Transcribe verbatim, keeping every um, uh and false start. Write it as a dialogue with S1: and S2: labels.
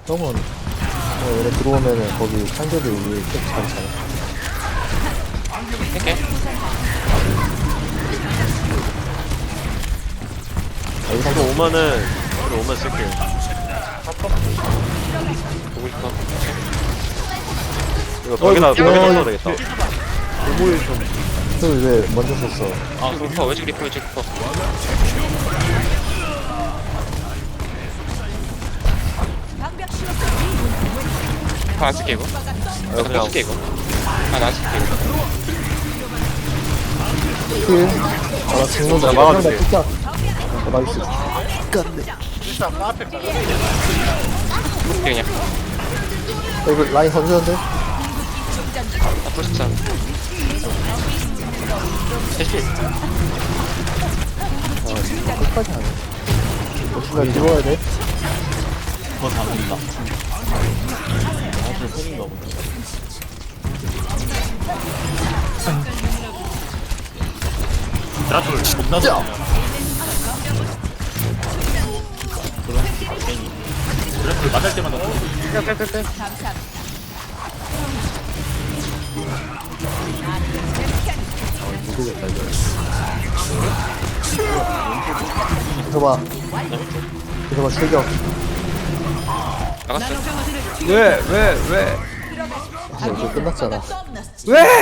S1: 형은 어, 얘네 들어오면은 거기 상대들 위에 쭉 잘잖아.
S2: 할게.
S1: 아, 여기서
S3: 이거 오면은 이거 오면 쓸게요.
S2: 보고 싶어.
S3: 이거 벽에다
S1: 어,
S3: 벽에다
S1: 어,
S3: 써도 되겠다.
S1: 오물 좀. 왜 먼저 썼어?
S2: 아, 리퍼, 왼쪽 리퍼, 왼쪽 리퍼. 리퍼 안 쓸게, 이거.
S3: 아,
S2: 이거
S3: 그냥
S2: 쓸게, 이거. 아, 나 쓸게, 이거.
S1: 힐. 아, 나 죽는다.
S3: 나 막아줄게.
S1: 나 진짜. 아, 나이스. 깐네.
S2: 볼게, 그냥.
S1: 야, 이거 라인 건드는데?
S2: 아, 풀스찬. 대신.
S1: 아, 진짜 끝까지 하네. 역시 나 들어와야 돼.
S4: 그거 잡는다. 아주 팬인가 보다. 드라툴 겁나 좋냐. 그럼 괜히 드라툴 맞을 때마다 또
S1: 모르겠다, 이거. 들어봐. 들어봐, 출격.
S2: 나갔어.
S5: 왜, 왜, 왜?
S1: 아, 이제 끝났잖아.
S5: 왜?